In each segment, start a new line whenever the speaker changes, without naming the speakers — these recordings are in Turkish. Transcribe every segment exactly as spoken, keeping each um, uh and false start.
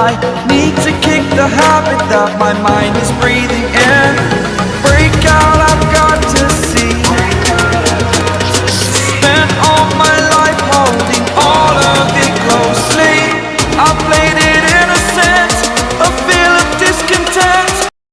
I need to kick the habit that my mind is breathing in. Break out, I've got to see. Spent all my life holding all of it closely. I played it innocent, a feel of discontent.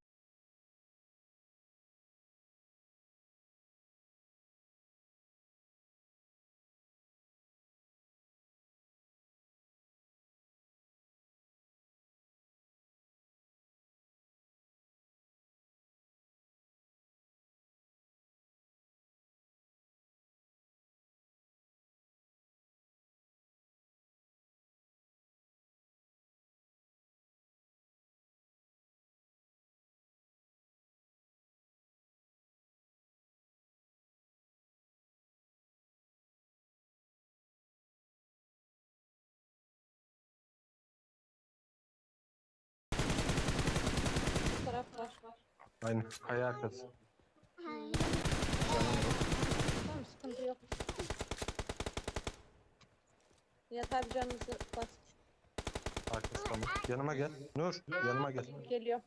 Taraf var.
Aynen. Kaya arkası.
Tamam, sıkıntı yok. Nihat abi canınızı bas.
Arkası tamam. Yanıma gel. Nur yanıma gel.
Geliyor.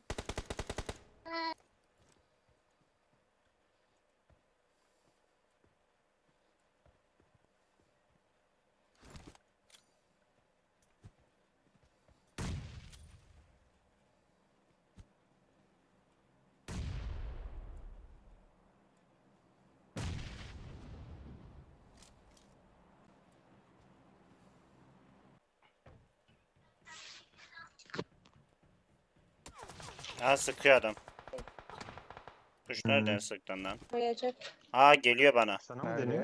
Ha sıkıyor adam. Kuş
Hmm.
nereden sıktın lan?
Koyacak.
Ha geliyor bana.
Sana mı
Nerede?
deniyor?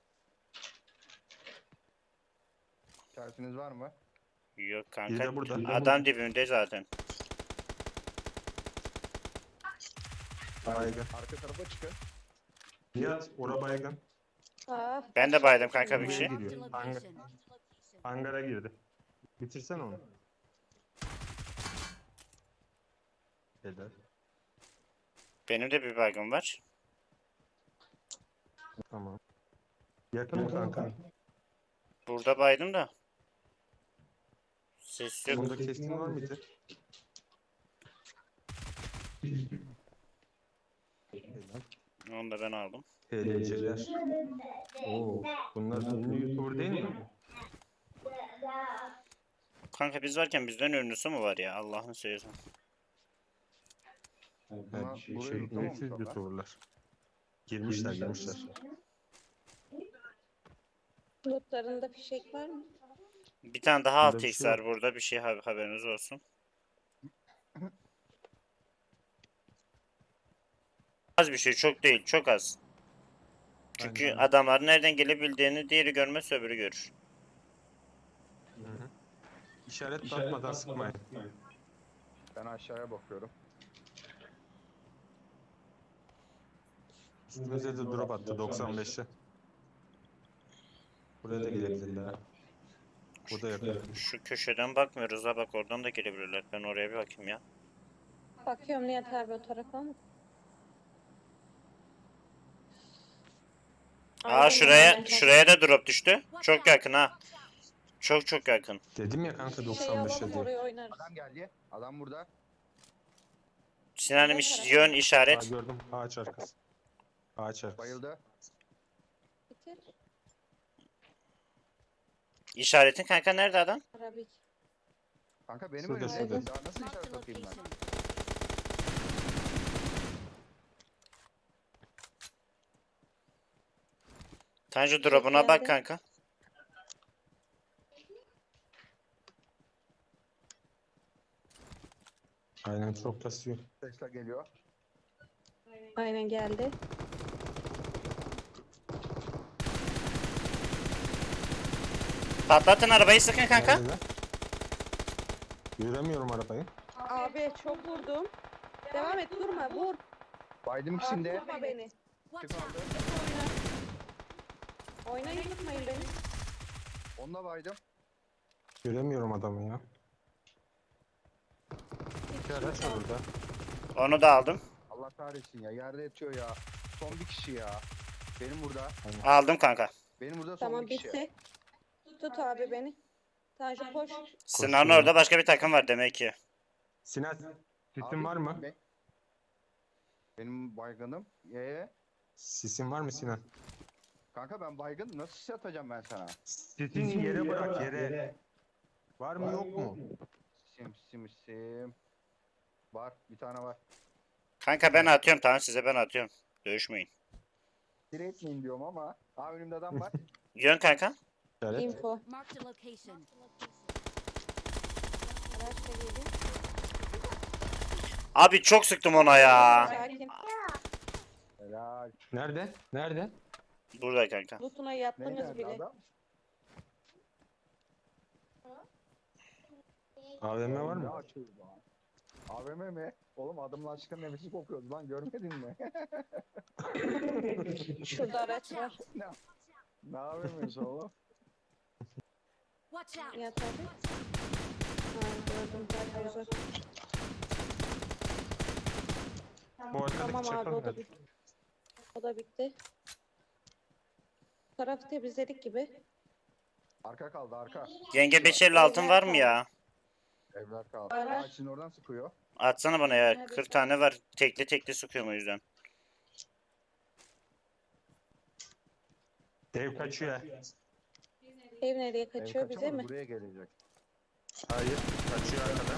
İşaretiniz var mı?
Yok
Biri
kanka.
de burada.
Adam dibimde zaten.
Baygın.
Arka tarafa çıkın.
Nihat ora baygın.
Aa,
Ben de baydım kanka bir
Buraya
şey.
giriyor. Hangar, hangara girdi. Bitirsen onu. Helal.
Benim de bir baygım var.
Tamam. Yakın mı kanka?
Burada baydım da. Ses yok.
Bunda keskin var mıydı? Helal.
Onu da ben aldım.
H D C'ler. Oo, bunlar ünlü YouTuber değil mi?
Kanka biz varken bizden ünlüsü mü var ya? Allah'ını seversen.
Bunlar
Yani şey,
burayı
şey,
yutamamışlar
ünlüsüz
lan.
YouTuber'lar. Girmişler, girmişler.
bulutlarında fişek var mı?
Bir tane daha
Bunda
altı
bir
x
şey
var
yok.
burada. Bir şey ha- haberiniz olsun. Az bir şey, çok değil, çok az. Çünkü
Aynen.
adamlar nereden gelebildiğini diğeri görmez, öbürü görür.
Hı hı. İşaret atmadan sıkmayın.
Ben aşağıya bakıyorum.
Üstümüze de drop attı doksan beşe. Buraya da gelebilirler. Bu da yakın.
Şu köşeden bakmıyoruz ha, bak oradan da gelebilirler. Ben oraya bir bakayım ya.
Bakıyorum Nihat abi o tarafa ama.
Aa
Aldım
şuraya
ben.
şuraya da drop düştü. Çok yakın ha. Çok çok yakın.
Dedim ya kanka
Şey
doksan beşe
alalım,
diye.
oraya oynarız.
Adam geldi. Adam burada.
Sinan'ım iş- yön
Aa,
işaret.
gördüm ağaç arkası. Ağaç arkası.
Bayıldı.
Bitir.
İşaretin kanka nerede adam?
Arabik.
Kanka benim
Şurada,
önümde.
şurada.
Daha nasıl işaret atayım ben?
Tanju drop'una bak
geldi.
kanka.
Aynen çok kasıyor.
Tesla geliyor.
Aynen geldi.
Patlatın arabayı, sıkın kanka.
Nerede lan? Göremiyorum arabayı.
Abi çok vurdum. Devam et, durma, vur.
Baydım
Abi,
ikisini de.
vurma beni.
Kim aldı?
Oyna. Oynayın, tutmayın beni.
Onunla baydım.
Göremiyorum adamı ya. İki araç var burada.
Onu da aldım.
Allah kahretsin ya. Yerde yatıyor ya. Son bir kişi ya. Benim burada.
Aldım kanka.
Benim burada son
Tamam,
bir kişi.
bitti. Tut abi beni. Tanju koş.
Sinan'ın
Koşuyor.
orada başka bir takım var demek ki.
Sinan sisin
Abi,
var mı?
be- Benim baygınım. Ee,
Sisin var mı Sinan?
kanka ben baygın nasıl sis atacağım ben sana?
Sisini yere bırak yere. Var mı yok mu?
Sim sim sim. Var bir tane var.
Kanka ben atıyorum, tamam, size ben atıyorum. Dövüşmeyin.
Direkt miyim diyorum ama. Aa önümde adam var.
Yön kanka.
Evet.
Info.
Marked a location.
Araçla geliyor.
Abi çok sıktım ona ya.
Sakin.
Helal.
Nerede? Nerede?
Burada kanka.
Lootuna
Neydi
yattınız
adı
bile.
adam?
A V M var
Ne
mı?
açıyor lan? A V M mi? Oğlum adamla aşkın nefesi kokuyordu lan görmedin mi?
Şurada araç var.
ne, ne A V M'si oğlum?
Watch out.
Yat abi. Ha, gördüm. Bayağı uzak.
Bu arkadaki
Tamam abi
çakal
o da
nerede?
bitti. O da bitti. Bu tarafı temizledik gibi.
Arka kaldı arka.
Yenge beş elli altın var mı ya?
Evler kaldı.
Var, var.
Aa şimdi oradan sıkıyor.
Atsana bana ya. kırk tane var. Tekli tekli sıkıyorum o yüzden.
Dev kaçıyor.
Ev nereye
Ev
kaçıyor bize
kaçamaz,
mi?
buraya gelecek.
Hayır. Kaçıyor arkadan.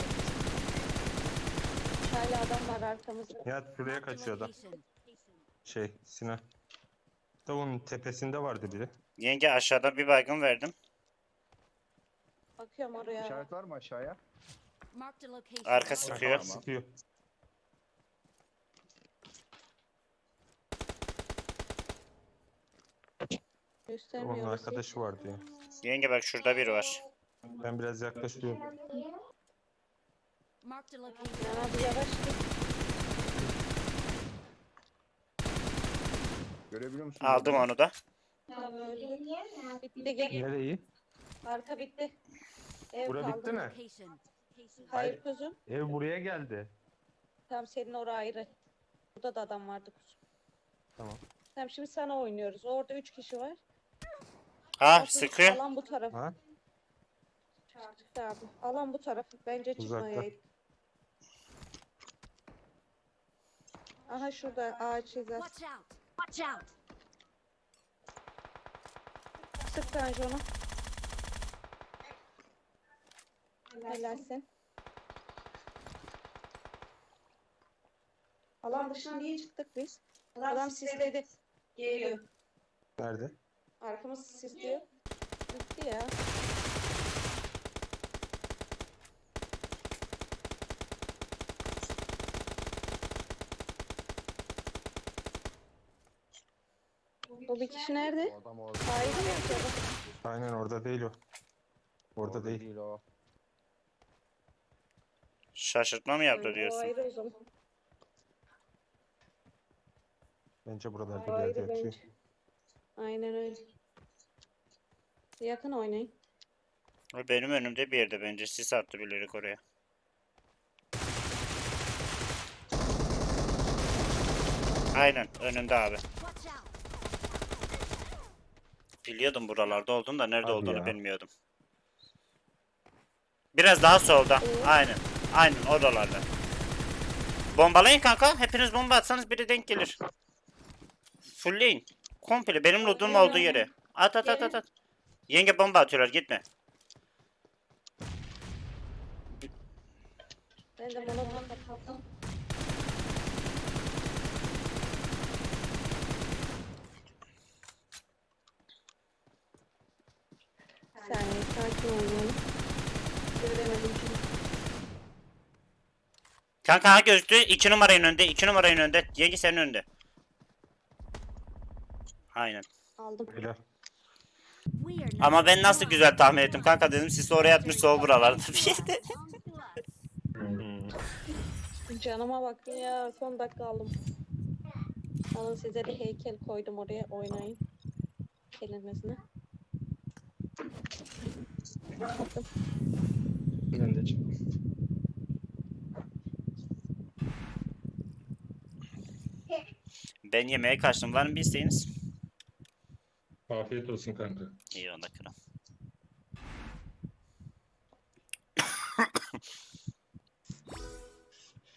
Hala adam var arkamızda.
Ya şuraya
Marked a
kaçıyor adam.
location.
Şey Sinan. Da onun tepesinde vardı biri.
Yenge aşağıda bir baygın verdim.
Bakıyorum oraya.
İşaret var mı aşağıya?
Marked a location.
Arka sıkıyor.
Tamam.
Sıkıyor.
Göstermiyor.
Onun
orası.
arkadaşı vardı ya.
Yenge bak şurada biri var.
Ben biraz yaklaşıyorum.
Marked a location.
Yana bir yavaş git.
Görebiliyor musun?
Aldım onu da.
Tamam öldü. Bitti gel.
Nereyi?
Arka bitti. Ev
Bura
kaldı.
bitti mi?
Location.
Hayır kuzum.
Ev buraya geldi.
Tamam senin orası ayrı. Burada da adam vardı kuzum.
Tamam.
Tamam şimdi sana oynuyoruz. Orada üç kişi var.
Ha
Asıl
sıkıyor.
Alan bu taraf.
Ha?
Çıktı abi. Alan bu taraf. Bence
Uzakta.
çıkmayaydı. Aha şurada ağaç hizası.
Watch out. Watch out.
Sık Tanju onu. Helalsin. Alan dışına niye çıktık biz? Adam sisledi. Geliyor.
Nerede?
Arkamız sisliyor. Bitti ya. O bir kişi nerede?
O adam orada.
Ayrı mı acaba?
Aynen orada değil o. Orada değil.
değil o.
Şaşırtma mı yaptı
O
diyorsun?
ayrı o zaman.
Bence
O
buralarda bir
ayrı
yerde yatıyor.
bence. Aynen öyle. Yakın oynayın.
O benim önümde bir yerde bence. Sis attı bilerek oraya. Aynen önünde abi.
Watch out.
Biliyordum buralarda olduğunu da nerede
Hadi
olduğunu
ya.
bilmiyordum. Biraz daha solda.
Ee?
Aynen. Aynen oralarda. Bombalayın kanka. Hepiniz bomba atsanız biri denk gelir. Fullleyin. Komple benim loot'um olduğu yere. At at at at at. Yenge bomba atıyorlar, gitme.
Ben de monoton kapattım. Bir saniye sakin oynayalım. Göremedim çünkü.
Kanka ha gözlü iki numarayın önünde. iki numarayın önünde. Yenge senin önünde. Aynen.
Aldım.
Helal.
We are
Ama ben nasıl güzel tahmin ettim kanka, dedim siz oraya atmış sol buralarda bir yerde.
Hmm.
Canıma bakın ya son dakika aldım. Alın size de heykel koydum oraya oynayın. Kelimesine. Attım.
Ben de çıktım.
Ben yemeğe kaçtım. Var mı bir isteğiniz?
Afiyet olsun kanka.